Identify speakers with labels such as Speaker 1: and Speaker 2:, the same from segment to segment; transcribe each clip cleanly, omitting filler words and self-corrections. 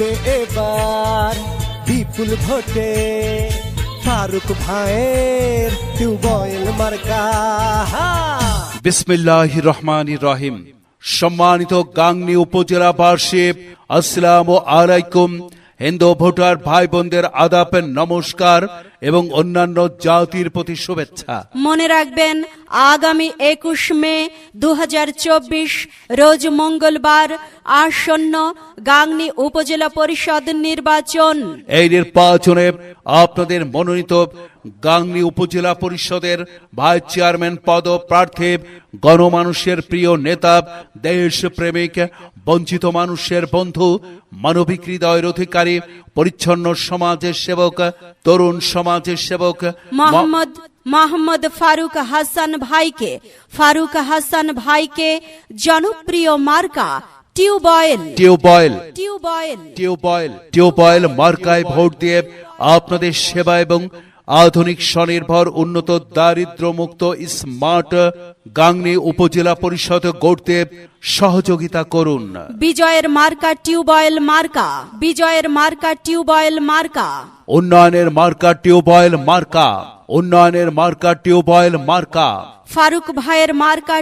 Speaker 1: জিতবে এবার বিপুল ভোটে ফারুক ভাইয়ের টিউবওয়েল মার্কা।
Speaker 2: বিসমিল্লাহির রহমানির রহিম। সম্মানিত গাংনী উপজেলাবাসী, আসসালামু আলাইকুম। হিন্দু ভোটার ভাই বোনদের আদাব, নমস্কার এবং অন্যান্য জাতির প্রতি শুভেচ্ছা।
Speaker 3: মনে রাখবেন, আগামী 21 মে 2024 রোজ মঙ্গলবার আসন্ন গাংনী উপজেলা পরিষদ নির্বাচন।
Speaker 2: এই নির্বাচনে আপনাদের মনোনীত গাংনী উপজেলা পরিষদের ভাইস চেয়ারম্যান পদপ্রার্থী, গণমানুষের প্রিয় নেতা, দেশপ্রেমিক, বঞ্চিত মানুষের বন্ধু, মানবিক হৃদয়ের অধিকারী, পরিচ্ছন্ন সমাজের সেবক, তরুণ সমাজের সেবক
Speaker 3: মোহাম্মদ ফারুক হাসান ভাইকে জনপ্রিয় মার্কা
Speaker 2: টিউবওয়েল মার্কায় ভোট দিয়ে আপনাদের সেবা এবং আধুনিক স্বনির্ভর উন্নত দারিদ্র্যমুক্ত স্মার্ট গাংনী উপজেলা পরিষদ গড়তে সহযোগিতা করুন।
Speaker 3: বিজয়ের মার্কা টিউবওয়েল মার্কা।
Speaker 2: উন্নয়নের মার্কা টিউবওয়েল মার্কা।
Speaker 3: ফারুক ভাইয়ের মার্কা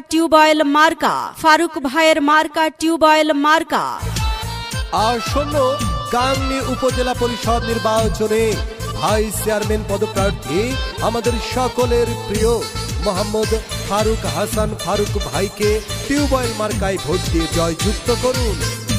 Speaker 3: টিউবওয়েল মার্কা।
Speaker 1: আসন্ন গাংনী উপজেলা পরিষদ নির্বাচনে ভাইস চেয়ারম্যান পদপ্রার্থী আমাদের সকলের প্রিয় মোহাম্মদ ফারুক ভাইকে টিউবওয়েল মার্কায় ভোট দিয়ে জয়যুক্ত করুন।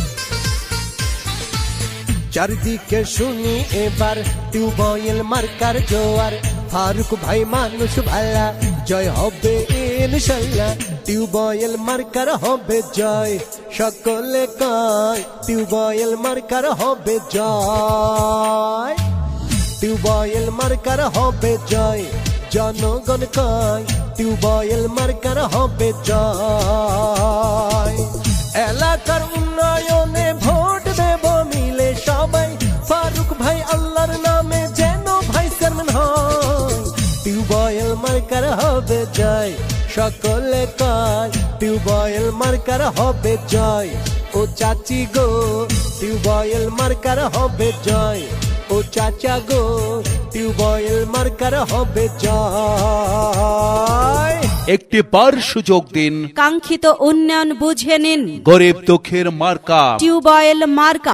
Speaker 1: চারিদিকে শুনি এবার টিউবওয়েল মার্কার জোয়ার, ফারুক ভাই মানুষ ভালা, জয় হবে ইনশাল্লাহ, টিউবওয়েল মার্কার হবে জয়, সকলে কয় টিউবওয়েল মার্কার হবে জয়, টিউবওয়েল মার্কার হবে জয়, জনগণ কয় টিউবওয়েল মার্কার হবে জয়। এলাকার উন্নয়নে ভোট দেব মিলে সবাই, ফারুক ভাই আল্লাহর নামে যেন ভাই চেয়ারম্যান হয়, টিউবওয়েল মার্কার হবে জয়, সকলে কয় টিউবওয়েল মার্কার হবে জয়। ও চাচি গো টিউবওয়েল মার্কার হবে জয়, ও চাচা গো টিউবওয়েল মার্কার হবে জয়।
Speaker 2: একটি বার সুযোগ দিন,
Speaker 3: কাঙ্ক্ষিত উন্নয়ন বুঝে নিন,
Speaker 2: গরিব দুঃখের মার্কা
Speaker 3: টিউবওয়েল মার্কা।